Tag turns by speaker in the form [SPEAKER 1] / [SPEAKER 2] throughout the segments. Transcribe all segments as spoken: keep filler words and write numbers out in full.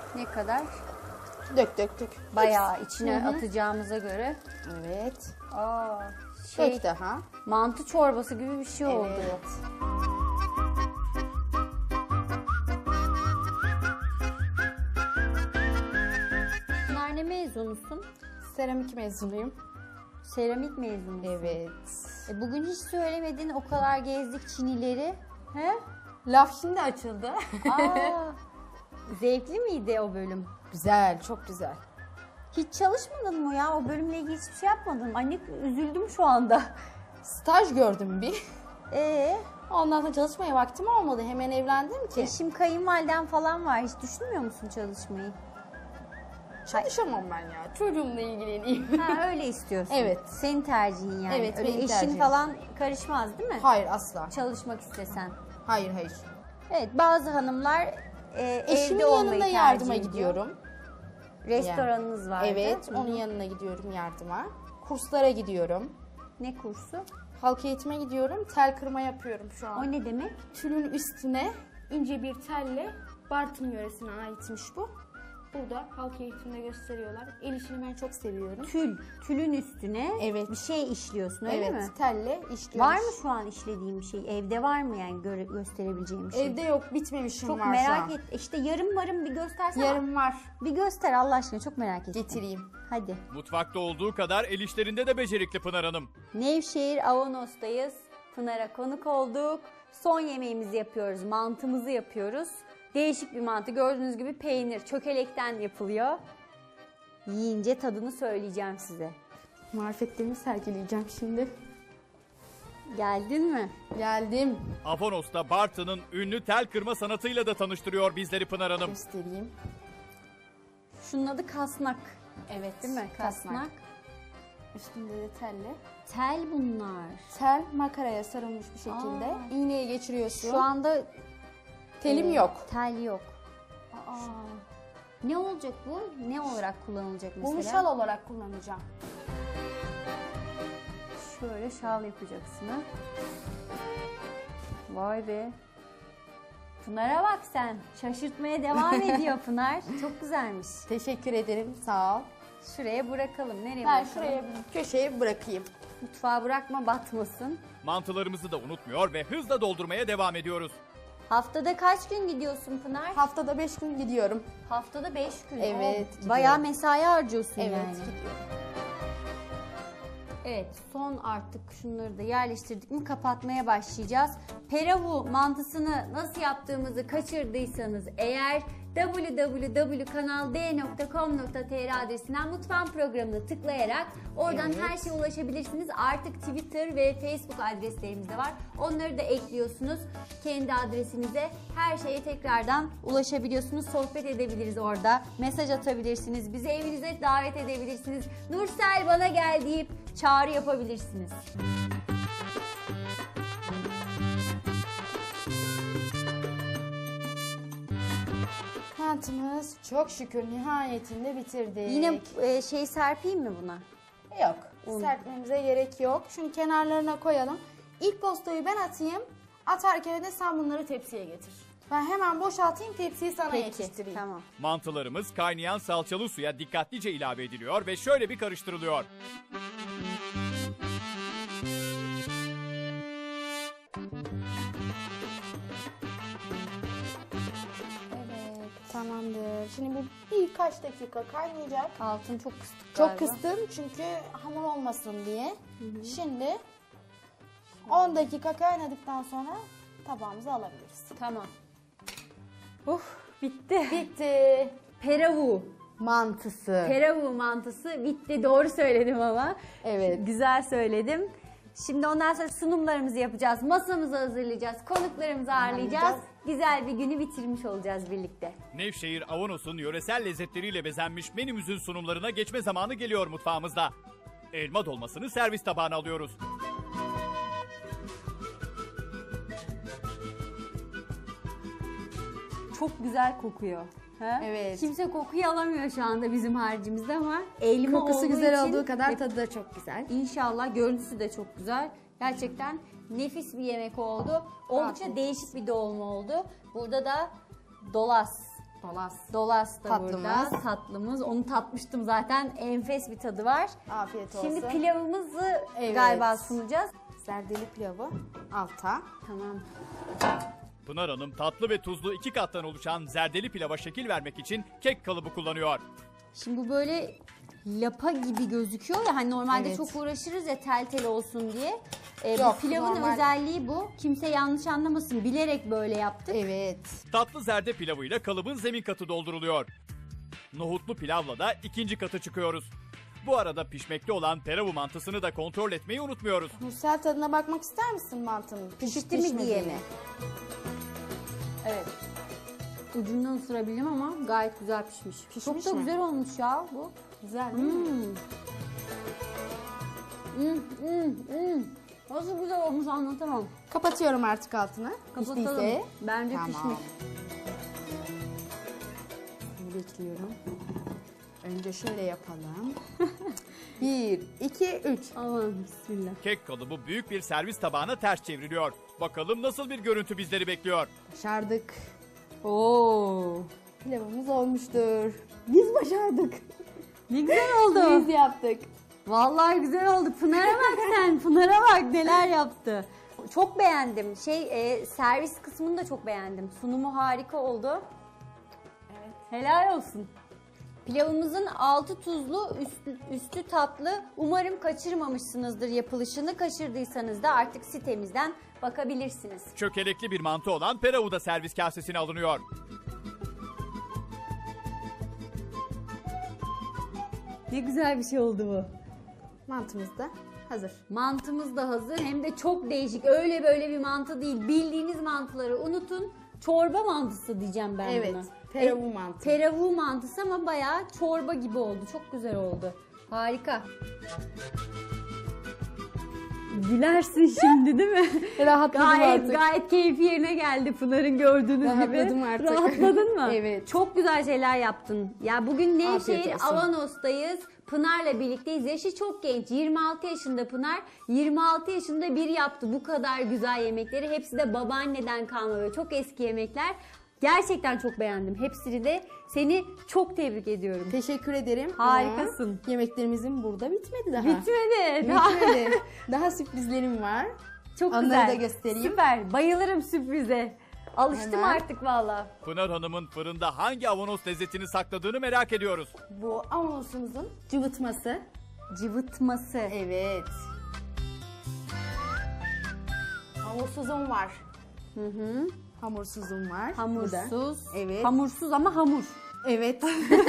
[SPEAKER 1] Ne kadar?
[SPEAKER 2] Dök dök dök.
[SPEAKER 1] Bayağı içine
[SPEAKER 2] Hı hı.
[SPEAKER 1] atacağımıza göre.
[SPEAKER 2] Evet.
[SPEAKER 1] Aa, şey,
[SPEAKER 2] Dök daha.
[SPEAKER 1] mantı çorbası gibi bir şey oldu.
[SPEAKER 2] Evet.
[SPEAKER 1] Pınar, ne mezunusun?
[SPEAKER 2] Seramik mezunuyum.
[SPEAKER 1] Seramik mezunusun.
[SPEAKER 2] Evet.
[SPEAKER 1] E bugün hiç söylemedin, o kadar gezdik Çinileri. He?
[SPEAKER 2] Laf şimdi açıldı.
[SPEAKER 1] Aa, zevkli miydi o bölüm?
[SPEAKER 2] Güzel, çok güzel.
[SPEAKER 1] Hiç çalışmadın mı ya? O bölümle ilgili hiçbir şey yapmadın. Anne, üzüldüm şu anda.
[SPEAKER 2] Staj gördüm bir.
[SPEAKER 1] Ee,
[SPEAKER 2] Ondan sonra çalışmaya vaktim olmadı. Hemen evlendim ki.
[SPEAKER 1] eşim, kayınvaliden falan var. Hiç düşünmüyor musun çalışmayı?
[SPEAKER 2] Çalışamam ben ya. Çocuğumla ilgileneyim.
[SPEAKER 1] Ha, öyle istiyorsun.
[SPEAKER 2] Evet.
[SPEAKER 1] Senin tercihin yani.
[SPEAKER 2] Evet,
[SPEAKER 1] Öyle
[SPEAKER 2] benim
[SPEAKER 1] eşin
[SPEAKER 2] tercihim.
[SPEAKER 1] falan karışmaz değil mi?
[SPEAKER 2] Hayır, asla.
[SPEAKER 1] Çalışmak istesen.
[SPEAKER 2] Hayır, hayır.
[SPEAKER 1] Evet, bazı hanımlar e,
[SPEAKER 2] Eşimin
[SPEAKER 1] evde olmayı
[SPEAKER 2] yanında
[SPEAKER 1] tercih
[SPEAKER 2] yardıma
[SPEAKER 1] ediyor.
[SPEAKER 2] gidiyorum.
[SPEAKER 1] Restoranınız vardı.
[SPEAKER 2] Evet,
[SPEAKER 1] Hı hı.
[SPEAKER 2] onun yanına gidiyorum yardıma. Kurslara gidiyorum.
[SPEAKER 1] Ne kursu?
[SPEAKER 2] Halk eğitime gidiyorum. Tel kırma yapıyorum şu an.
[SPEAKER 1] O ne demek?
[SPEAKER 2] Tülün üstüne ince bir telle, Bartın yöresine aitmiş bu. Burada halk eğitimde gösteriyorlar. El işini ben çok seviyorum.
[SPEAKER 1] Tül. Tülün üstüne
[SPEAKER 2] Evet.
[SPEAKER 1] bir şey işliyorsun, öyle
[SPEAKER 2] Evet,
[SPEAKER 1] mi?
[SPEAKER 2] telle işliyoruz.
[SPEAKER 1] Var mı şu an işlediğin bir şey? Evde var mı yani göre, gösterebileceğim bir şey?
[SPEAKER 2] Evde yok, bitmemişim
[SPEAKER 1] Çok
[SPEAKER 2] var
[SPEAKER 1] merak
[SPEAKER 2] şu an.
[SPEAKER 1] et. İşte yarım varım bir göstersene.
[SPEAKER 2] Yarım var.
[SPEAKER 1] Bir göster Allah aşkına, çok merak ettim.
[SPEAKER 2] Getireyim.
[SPEAKER 1] Hadi.
[SPEAKER 3] Mutfakta olduğu kadar el işlerinde de becerikli Pınar Hanım.
[SPEAKER 1] Nevşehir Avanos'tayız. Pınar'a konuk olduk. Son yemeğimizi yapıyoruz. Mantımızı yapıyoruz. Değişik bir mantı. Gördüğünüz gibi peynir, çökelekten yapılıyor. Yiyince tadını söyleyeceğim size.
[SPEAKER 2] Marifetlerimi sergileyeceğim şimdi.
[SPEAKER 1] Geldin mi?
[SPEAKER 2] Geldim.
[SPEAKER 3] Avanos'ta Bartın'ın ünlü tel kırma sanatıyla da tanıştırıyor bizleri Pınar Hanım.
[SPEAKER 2] Göstereyim.
[SPEAKER 1] Şunun adı kasnak.
[SPEAKER 2] Evet.
[SPEAKER 1] Değil mi? Kasnak.
[SPEAKER 2] Kasnak. Üstünde de telle.
[SPEAKER 1] Tel bunlar.
[SPEAKER 2] Tel makaraya sarılmış bir şekilde.
[SPEAKER 1] Aa.
[SPEAKER 2] İğneye geçiriyorsun.
[SPEAKER 1] Şu anda
[SPEAKER 2] telim
[SPEAKER 1] e,
[SPEAKER 2] yok.
[SPEAKER 1] Tel yok. Aa. Ne olacak bu? Ne olarak kullanılacak mesela?
[SPEAKER 2] Bunu şal olarak kullanacağım.
[SPEAKER 1] Şöyle şal yapacaksın ha. Vay be. Pınar'a bak sen. Şaşırtmaya devam ediyor Pınar. Çok güzelmiş.
[SPEAKER 2] Teşekkür ederim. Sağ ol.
[SPEAKER 1] Şuraya bırakalım. Nereye
[SPEAKER 2] Ben
[SPEAKER 1] bırakalım?
[SPEAKER 2] şuraya bir köşeye bırakayım.
[SPEAKER 1] Mutfağa bırakma, batmasın.
[SPEAKER 3] Mantılarımızı da unutmuyor ve hızla doldurmaya devam ediyoruz.
[SPEAKER 1] Haftada kaç gün gidiyorsun Pınar?
[SPEAKER 2] Haftada beş gün gidiyorum.
[SPEAKER 1] Haftada beş gün.
[SPEAKER 2] Evet,
[SPEAKER 1] Oo,
[SPEAKER 2] gidiyorum.
[SPEAKER 1] bayağı mesai harcıyorsun
[SPEAKER 2] Evet,
[SPEAKER 1] yani.
[SPEAKER 2] gidiyorum.
[SPEAKER 1] Evet, son artık şunları da yerleştirdik mi kapatmaya başlayacağız. Peravu mantısını nasıl yaptığımızı kaçırdıysanız eğer double-u double-u double-u nokta kanal d nokta com nokta t r adresinden mutfağın programına tıklayarak oradan
[SPEAKER 2] Evet.
[SPEAKER 1] her şeye ulaşabilirsiniz. Artık Twitter ve Facebook adreslerimiz de var. Onları da ekliyorsunuz kendi adresinize. Her şeye tekrardan ulaşabiliyorsunuz. Sohbet edebiliriz orada. Mesaj atabilirsiniz. Bizi evinize davet edebilirsiniz. Nursel bana gel deyip çağrı yapabilirsiniz.
[SPEAKER 2] Mantımız çok şükür nihayetinde bitirdik.
[SPEAKER 1] Yine e, şey serpeyim mi buna?
[SPEAKER 2] yok. Serpmemize gerek yok. Şunu kenarlarına koyalım. İlk postayı ben atayım. Atarken de sen bunları tepsiye getir. Ben hemen boşaltayım, tepsiyi sana
[SPEAKER 1] Peki,
[SPEAKER 2] yetiştireyim.
[SPEAKER 1] tamam.
[SPEAKER 3] Mantılarımız kaynayan salçalı suya dikkatlice ilave ediliyor ve şöyle bir karıştırılıyor.
[SPEAKER 2] Evet, tamamdır. Şimdi bu birkaç dakika kaynayacak.
[SPEAKER 1] Altını çok kıstık
[SPEAKER 2] Çok
[SPEAKER 1] galiba.
[SPEAKER 2] kıstım çünkü hamur olmasın diye. Şimdi on dakika kaynadıktan sonra tabağımıza alabiliriz.
[SPEAKER 1] Tamam. Uf, bitti.
[SPEAKER 2] Bitti.
[SPEAKER 1] Peravu.
[SPEAKER 2] Mantısı.
[SPEAKER 1] Peravu mantısı bitti. Doğru söyledim ama.
[SPEAKER 2] Evet.
[SPEAKER 1] Güzel söyledim. Şimdi ondan sonra sunumlarımızı yapacağız. Masamızı hazırlayacağız. Konuklarımızı ağırlayacağız.
[SPEAKER 2] Ağırlayacağız.
[SPEAKER 1] Güzel bir günü bitirmiş olacağız birlikte.
[SPEAKER 3] Nevşehir Avanos'un yöresel lezzetleriyle bezenmiş menümüzün sunumlarına geçme zamanı geliyor mutfağımızda. Elma dolmasını servis tabağına alıyoruz.
[SPEAKER 1] Çok güzel kokuyor. Ha?
[SPEAKER 2] Evet.
[SPEAKER 1] Kimse kokuyu alamıyor şu anda bizim harcımızda ama elma
[SPEAKER 2] Kokusu
[SPEAKER 1] olduğu
[SPEAKER 2] güzel
[SPEAKER 1] için
[SPEAKER 2] olduğu kadar
[SPEAKER 1] ve
[SPEAKER 2] tadı da çok güzel.
[SPEAKER 1] İnşallah görüntüsü de çok güzel. Gerçekten nefis bir yemek oldu. Oldukça
[SPEAKER 2] Afiyet
[SPEAKER 1] değişik bir dolma oldu. Burada da dolas
[SPEAKER 2] Dolas.
[SPEAKER 1] Dolas da
[SPEAKER 2] Tatlımız.
[SPEAKER 1] burada. Tatlımız. Onu tatmıştım zaten. Enfes bir tadı var.
[SPEAKER 2] Afiyet olsun.
[SPEAKER 1] Şimdi pilavımızı
[SPEAKER 2] Evet.
[SPEAKER 1] galiba sunacağız.
[SPEAKER 2] Zerdeli pilavı alta.
[SPEAKER 1] Tamam.
[SPEAKER 3] Pınar Hanım tatlı ve tuzlu iki kattan oluşan zerdeli pilava şekil vermek için kek kalıbı kullanıyor.
[SPEAKER 1] Şimdi bu böyle lapa gibi gözüküyor ya, hani normalde
[SPEAKER 2] Evet.
[SPEAKER 1] çok uğraşırız ya tel tel olsun diye. Ee,
[SPEAKER 2] Yok,
[SPEAKER 1] bu pilavın
[SPEAKER 2] normal.
[SPEAKER 1] özelliği bu. Kimse yanlış anlamasın. Bilerek böyle yaptık.
[SPEAKER 2] Evet.
[SPEAKER 3] Tatlı zerde pilavıyla kalıbın zemin katı dolduruluyor. Nohutlu pilavla da ikinci katı çıkıyoruz. Bu arada pişmekte olan teravu mantısını da kontrol etmeyi unutmuyoruz.
[SPEAKER 2] Nursel tadına bakmak ister misin mantının?
[SPEAKER 1] Pişti mi diye mi?
[SPEAKER 2] Evet.
[SPEAKER 1] Ucundan ısırabildim ama gayet güzel pişmiş.
[SPEAKER 2] Pişmiş
[SPEAKER 1] Çok da
[SPEAKER 2] mi?
[SPEAKER 1] güzel olmuş ya bu.
[SPEAKER 2] Güzel değil mi?
[SPEAKER 1] Hmm. Hmm, hmm, hmm. Nasıl güzel olmuş anlatamam.
[SPEAKER 2] Kapatıyorum artık altını.
[SPEAKER 1] Kapatalım.
[SPEAKER 2] Piştiyse.
[SPEAKER 1] Bence
[SPEAKER 2] Tamam.
[SPEAKER 1] pişmiş.
[SPEAKER 2] Şimdi bekliyorum. Önce şöyle yapalım. Bir, iki, üç.
[SPEAKER 1] Aman bismillah.
[SPEAKER 3] Kek kalıbı büyük bir servis tabağına ters çevriliyor. Bakalım nasıl bir görüntü bizleri bekliyor.
[SPEAKER 2] Başardık.
[SPEAKER 1] Oo.
[SPEAKER 2] Pilavımız olmuştur.
[SPEAKER 1] Biz başardık. Ne güzel oldu.
[SPEAKER 2] Biz yaptık.
[SPEAKER 1] Vallahi güzel oldu. Pınar'a bak sen. Pınar'a bak neler yaptı. Çok beğendim. Şey e, servis kısmını da çok beğendim. Sunumu harika oldu.
[SPEAKER 2] Evet.
[SPEAKER 1] Helal olsun. Pilavımızın altı tuzlu, üstü, üstü tatlı. Umarım kaçırmamışsınızdır yapılışını. Kaçırdıysanız da artık sitemizden bakabilirsiniz.
[SPEAKER 3] Çökelekli bir mantı olan peravu da servis kasesine alınıyor.
[SPEAKER 1] Ne güzel bir şey oldu bu.
[SPEAKER 2] Mantımız da hazır.
[SPEAKER 1] Mantımız da hazır, hem de çok değişik. Öyle böyle bir mantı değil. Bildiğiniz mantıları unutun. Çorba mantısı diyeceğim ben
[SPEAKER 2] Evet,
[SPEAKER 1] buna.
[SPEAKER 2] teravu
[SPEAKER 1] E,
[SPEAKER 2] mantı.
[SPEAKER 1] Teravu mantısı ama bayağı çorba gibi oldu. Çok güzel oldu. Harika. Gülersin şimdi değil mi?
[SPEAKER 2] Rahatladım
[SPEAKER 1] Gayet
[SPEAKER 2] artık.
[SPEAKER 1] gayet keyfi yerine geldi Pınar'ın gördüğünüz
[SPEAKER 2] Rahatladım
[SPEAKER 1] gibi.
[SPEAKER 2] artık.
[SPEAKER 1] Rahatladın mı?
[SPEAKER 2] Evet.
[SPEAKER 1] Çok güzel şeyler yaptın. Ya bugün
[SPEAKER 2] Afiyet
[SPEAKER 1] Nevşehir
[SPEAKER 2] olsun.
[SPEAKER 1] Avanos'tayız. Pınar'la birlikteyiz. Yaşı çok genç. yirmi altı yaşında Pınar. yirmi altı yaşında bir yaptı bu kadar güzel yemekleri. Hepsi de babaanneden kalma böyle çok eski yemekler. Gerçekten çok beğendim. Hepsini de seni çok tebrik ediyorum.
[SPEAKER 2] Teşekkür ederim.
[SPEAKER 1] Harikasın.
[SPEAKER 2] Ama yemeklerimizin burada bitmedi daha.
[SPEAKER 1] Bitmedi. Daha-
[SPEAKER 2] Bitmedi. Daha sürprizlerim var.
[SPEAKER 1] Çok
[SPEAKER 2] Onları
[SPEAKER 1] güzel.
[SPEAKER 2] da göstereyim.
[SPEAKER 1] Süper. Bayılırım sürprize. Alıştım
[SPEAKER 2] Hemen.
[SPEAKER 1] artık valla.
[SPEAKER 3] Pınar Hanım'ın fırında hangi avanos lezzetini sakladığını merak ediyoruz.
[SPEAKER 2] Bu avanosumuzun cıvıtması.
[SPEAKER 1] Cıvıtması.
[SPEAKER 2] Evet. Hamursuzum var.
[SPEAKER 1] Hı hı.
[SPEAKER 2] Hamursuzum var. Bu da.
[SPEAKER 1] Hamursuz.
[SPEAKER 2] Evet.
[SPEAKER 1] Hamursuz ama hamur.
[SPEAKER 2] Evet.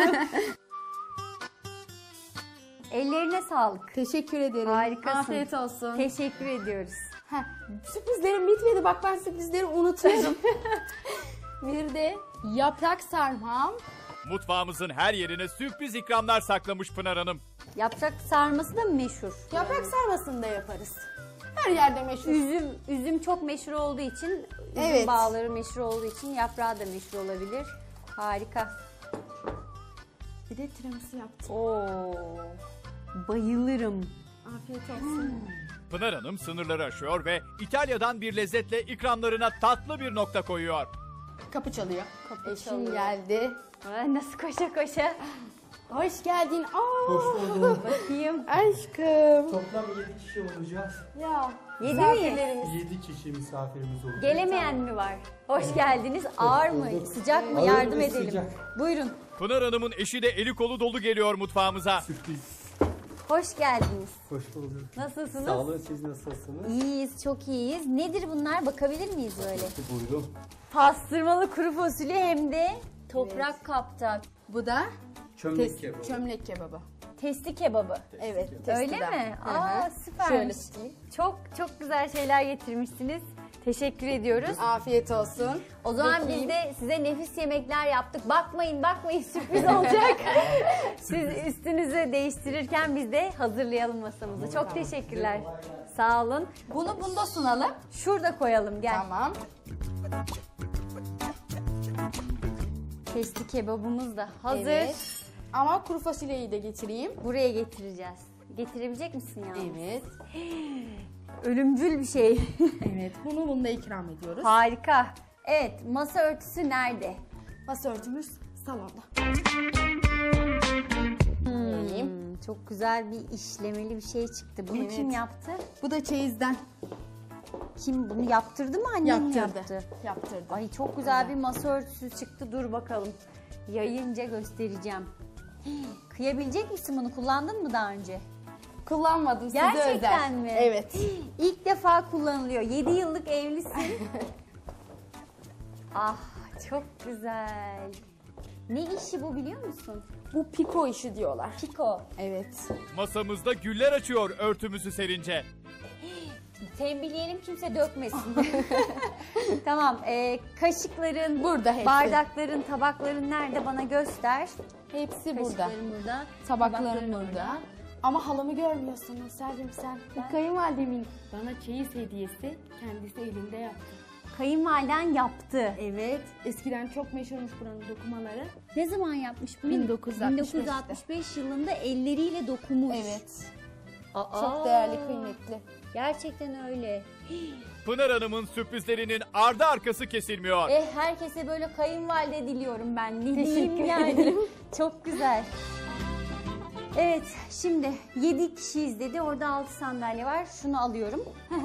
[SPEAKER 1] Ellerine sağlık.
[SPEAKER 2] Teşekkür ederim.
[SPEAKER 1] Harikasın.
[SPEAKER 2] Afiyet olsun.
[SPEAKER 1] Teşekkür ediyoruz.
[SPEAKER 2] Heh, sürprizlerim bitmedi. Bak ben sürprizleri unutuyorum. Bir de yaprak sarmam.
[SPEAKER 3] Mutfağımızın her yerine sürpriz ikramlar saklamış Pınar Hanım.
[SPEAKER 1] Yaprak sarması da meşhur.
[SPEAKER 2] Yaprak sarmasını da yaparız. Her yerde meşhur.
[SPEAKER 1] Üzüm, üzüm çok meşhur olduğu için, üzüm
[SPEAKER 2] Evet.
[SPEAKER 1] bağları meşhur olduğu için yaprağı da meşhur olabilir. Harika.
[SPEAKER 2] Bir de tiramisu yaptım.
[SPEAKER 1] Oo. Bayılırım.
[SPEAKER 2] Afiyet olsun.
[SPEAKER 3] Pınar Hanım sınırları aşıyor ve İtalya'dan bir lezzetle ikramlarına tatlı bir nokta koyuyor.
[SPEAKER 2] Kapı çalıyor.
[SPEAKER 1] Kapı
[SPEAKER 2] Eşim
[SPEAKER 1] çalıyor.
[SPEAKER 2] geldi.
[SPEAKER 1] Ay, nasıl koşa koşa.
[SPEAKER 2] Hoş geldin. Aa,
[SPEAKER 4] Hoş bulduk.
[SPEAKER 1] Bakayım.
[SPEAKER 2] aşkım.
[SPEAKER 4] Toplam yedi kişi olacağız.
[SPEAKER 2] Ya.
[SPEAKER 1] Yedi mi?
[SPEAKER 2] misafirlerimiz.
[SPEAKER 4] yedi kişi misafirimiz olacak.
[SPEAKER 1] Gelemeyen mi var? Hoş geldiniz. Ağır mı?
[SPEAKER 4] bulduk.
[SPEAKER 1] Sıcak mı?
[SPEAKER 4] Ağır
[SPEAKER 1] Yardım
[SPEAKER 4] ve
[SPEAKER 1] edelim.
[SPEAKER 4] sıcak.
[SPEAKER 1] Buyurun.
[SPEAKER 3] Pınar Hanım'ın eşi de eli kolu dolu geliyor mutfağımıza.
[SPEAKER 4] Sürpriz.
[SPEAKER 1] Hoş geldiniz.
[SPEAKER 4] Hoş bulduk.
[SPEAKER 1] Nasılsınız?
[SPEAKER 4] Sağ olun, siz nasılsınız?
[SPEAKER 1] İyiyiz, çok iyiyiz. Nedir bunlar? Bakabilir miyiz böyle?
[SPEAKER 4] Buyurun.
[SPEAKER 1] Pastırmalı kuru fasulye hem de toprak
[SPEAKER 2] Evet.
[SPEAKER 1] kapta.
[SPEAKER 2] Bu da
[SPEAKER 4] Çömlek
[SPEAKER 2] tes-
[SPEAKER 4] kebabı.
[SPEAKER 2] çömlek kebabı.
[SPEAKER 1] Testi kebabı.
[SPEAKER 2] Evet.
[SPEAKER 1] Öyle
[SPEAKER 2] testi de.
[SPEAKER 1] mi?
[SPEAKER 2] Hı hı.
[SPEAKER 1] Aa,
[SPEAKER 2] Şöyle
[SPEAKER 1] süpermiş.
[SPEAKER 2] tutayım.
[SPEAKER 1] Çok çok güzel şeyler getirmişsiniz. Teşekkür ediyoruz.
[SPEAKER 2] Afiyet olsun.
[SPEAKER 1] O zaman
[SPEAKER 2] Bakayım.
[SPEAKER 1] biz de size nefis yemekler yaptık. Bakmayın bakmayın sürpriz olacak. Siz üstünüzü değiştirirken biz de hazırlayalım masamızı. Çok teşekkürler. Sağ olun.
[SPEAKER 2] Bunu bunda sunalım.
[SPEAKER 1] Şurada koyalım gel.
[SPEAKER 2] Tamam.
[SPEAKER 1] Testi kebabımız da hazır.
[SPEAKER 2] Evet. Ama kuru fasulyeyi de getireyim.
[SPEAKER 1] Buraya getireceğiz. Getirebilecek misin ya?
[SPEAKER 2] Evet.
[SPEAKER 1] Ölümcül bir şey.
[SPEAKER 2] Evet. Bunu bunda ikram ediyoruz.
[SPEAKER 1] Harika. Evet, masa örtüsü nerede?
[SPEAKER 2] Masa örtümüz salonda.
[SPEAKER 1] Hmm, çok güzel bir işlemeli bir şey çıktı. Bunu
[SPEAKER 2] Evet.
[SPEAKER 1] kim yaptı?
[SPEAKER 2] Bu da çeyizden
[SPEAKER 1] Kim bunu yaptırdı mı, annem mi
[SPEAKER 2] yaptırdı.
[SPEAKER 1] yaptı?
[SPEAKER 2] Yaptırdı.
[SPEAKER 1] Ay çok güzel bir masa örtüsü çıktı. Dur bakalım. Yayınca göstereceğim. Hii, Kıyabilecek misin bunu? Kullandın mı daha önce?
[SPEAKER 2] Kullanmadım, size
[SPEAKER 1] Gerçekten
[SPEAKER 2] özel.
[SPEAKER 1] mi?
[SPEAKER 2] Evet.
[SPEAKER 1] İlk defa kullanılıyor. yedi yıllık evlisin. Ah çok güzel. Ne işi bu biliyor musun?
[SPEAKER 2] Bu piko işi diyorlar.
[SPEAKER 1] Piko.
[SPEAKER 2] Evet.
[SPEAKER 3] Masamızda güller açıyor örtümüzü serince.
[SPEAKER 1] Tembihleyelim kimse dökmesin. Tamam. E, kaşıkların,
[SPEAKER 2] Burada hepsi.
[SPEAKER 1] bardakların, tabakların nerede bana göster.
[SPEAKER 2] Hepsi burada.
[SPEAKER 1] Kaşıkların burada.
[SPEAKER 2] Tabaklarım burada. Ama halımı görmüyorsun Nursel'cim sen. Bu kayınvalidemin bana çeyiz hediyesi, kendisi elinde yaptı.
[SPEAKER 1] Kayınvaliden yaptı.
[SPEAKER 2] Evet. Eskiden çok meşhurmuş buranın dokumaları.
[SPEAKER 1] Ne zaman yapmış bunu?
[SPEAKER 2] bin dokuz yüz altmış beşte.
[SPEAKER 1] bin dokuz yüz altmış beş yılında elleriyle dokumuş.
[SPEAKER 2] Evet.
[SPEAKER 1] Aa,
[SPEAKER 2] Çok değerli, kıymetli.
[SPEAKER 1] Gerçekten öyle.
[SPEAKER 3] Pınar Hanım'ın sürprizlerinin ardı arkası kesilmiyor.
[SPEAKER 1] Eh herkese böyle kayınvalide diliyorum ben. Ne diyeyim yani. Çok güzel. Evet şimdi yedi kişiyiz dedi. Orada altı sandalye var. Şunu alıyorum.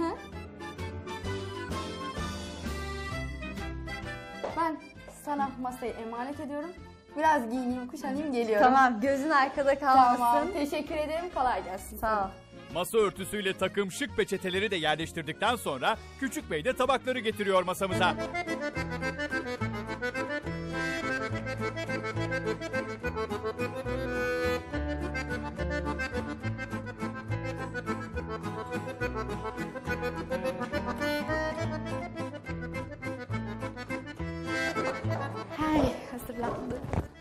[SPEAKER 2] Ben sana masayı emanet ediyorum. Biraz giyineyim, kuşanayım, geliyorum.
[SPEAKER 1] Tamam gözün arkada kalmasın.
[SPEAKER 2] Tamam. Teşekkür ederim. Kolay gelsin.
[SPEAKER 1] Sağ ol.
[SPEAKER 3] Masa örtüsüyle takım şık peçeteleri de yerleştirdikten sonra Küçük Bey de tabakları getiriyor masamıza.
[SPEAKER 2] Hey, hazırlandı.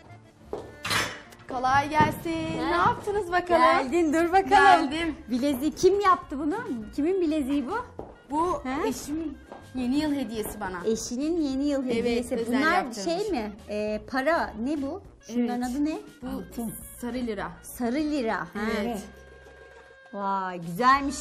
[SPEAKER 2] Kolay gelsin. Ne yaptınız bakalım?
[SPEAKER 1] Geldin dur bakalım.
[SPEAKER 2] Geldim.
[SPEAKER 1] Bileziği kim yaptı bunu? Kimin bileziği bu?
[SPEAKER 2] Bu
[SPEAKER 1] He?
[SPEAKER 2] eşimin yeni yıl hediyesi bana.
[SPEAKER 1] Eşinin yeni yıl
[SPEAKER 2] Evet,
[SPEAKER 1] hediyesi.
[SPEAKER 2] özel
[SPEAKER 1] Bunlar
[SPEAKER 2] yaptırmış.
[SPEAKER 1] şey mi? Ee, para ne bu? Şunların
[SPEAKER 2] Evet.
[SPEAKER 1] adı ne?
[SPEAKER 2] Bu sarı lira.
[SPEAKER 1] Sarı lira. Ha.
[SPEAKER 2] Evet.
[SPEAKER 1] Vay güzelmiş.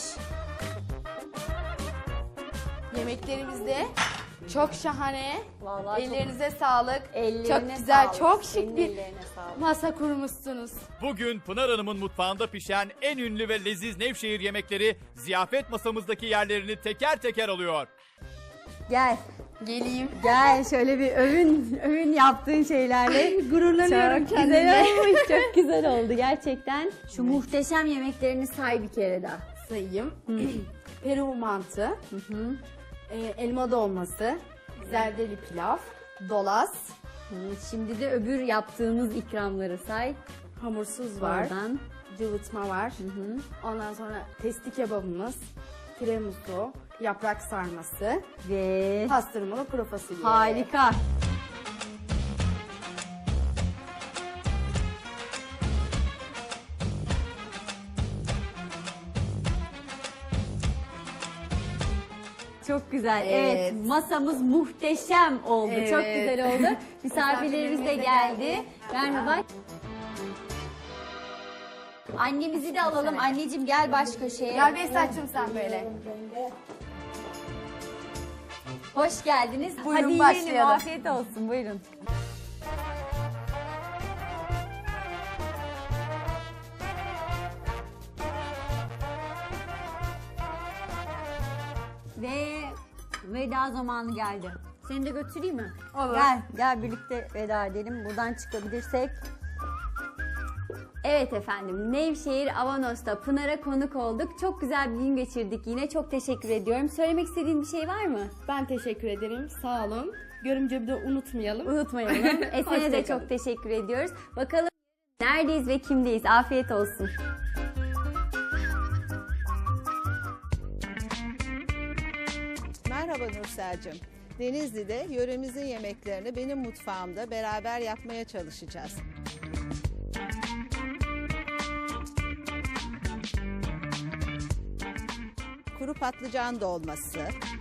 [SPEAKER 2] Yemeklerimiz de çok şahane.
[SPEAKER 1] Vallahi çok-
[SPEAKER 2] Ellerinize sağlık.
[SPEAKER 1] Ellerine
[SPEAKER 2] çok güzel,
[SPEAKER 1] sağlık.
[SPEAKER 2] çok
[SPEAKER 1] Senin
[SPEAKER 2] şık bir
[SPEAKER 1] ellerine sağlık.
[SPEAKER 2] masa kurmuşsunuz.
[SPEAKER 3] Bugün Pınar Hanım'ın mutfağında pişen en ünlü ve leziz Nevşehir yemekleri ziyafet masamızdaki yerlerini teker teker alıyor.
[SPEAKER 1] Gel.
[SPEAKER 2] Geleyim.
[SPEAKER 1] Gel şöyle bir övün övün yaptığın şeylerle.
[SPEAKER 2] Gururlanıyorum
[SPEAKER 1] Çok
[SPEAKER 2] kendimle.
[SPEAKER 1] güzel olmuş. Çok güzel oldu gerçekten. Şu muhteşem yemeklerini say bir kere daha.
[SPEAKER 2] Sayayım. Peru mantı, e, elma dolması, zerdeli pilav, dolas,
[SPEAKER 1] Hı, Şimdi de öbür yaptığımız ikramları say.
[SPEAKER 2] hamursuz var,
[SPEAKER 1] Oradan.
[SPEAKER 2] cıvıtma var. Ondan sonra testi kebabımız, tiramisu, yaprak sarması,
[SPEAKER 1] Ve
[SPEAKER 2] pastırmalı kuru fasulye.
[SPEAKER 1] harika. Çok güzel. Evet.
[SPEAKER 2] Evet.
[SPEAKER 1] masamız muhteşem oldu.
[SPEAKER 2] Evet.
[SPEAKER 1] Çok güzel oldu. Misafirlerimiz de
[SPEAKER 2] Misafirlerimiz de
[SPEAKER 1] geldi.
[SPEAKER 2] geldi.
[SPEAKER 1] Merhaba. Annemizi de alalım. Anneciğim gel baş köşeye.
[SPEAKER 2] Gel Behzat'cığım sen böyle.
[SPEAKER 1] Hoş geldiniz.
[SPEAKER 2] Buyurun,
[SPEAKER 1] Hadi yiyelim.
[SPEAKER 2] başlayalım.
[SPEAKER 1] Afiyet olsun. Buyurun. Ve veda zamanı geldi. Seni de götüreyim mi?
[SPEAKER 2] Olur.
[SPEAKER 1] Gel, gel birlikte veda edelim. Buradan çıkabilirsek. Evet efendim, Nevşehir Avanos'ta Pınar'a konuk olduk. Çok güzel bir gün geçirdik yine. Çok teşekkür ediyorum. Söylemek istediğin bir şey var mı?
[SPEAKER 2] Ben teşekkür ederim. Sağ olun. Görümce bir de unutmayalım.
[SPEAKER 1] Unutmayalım. Esen'e de
[SPEAKER 2] Hoşça kalın.
[SPEAKER 1] çok teşekkür ediyoruz. Bakalım neredeyiz ve kimdeyiz? Afiyet olsun.
[SPEAKER 5] Merhaba Nursel'cim. Denizli'de yöremizin yemeklerini benim mutfağımda beraber yapmaya çalışacağız. Kuru patlıcan dolması,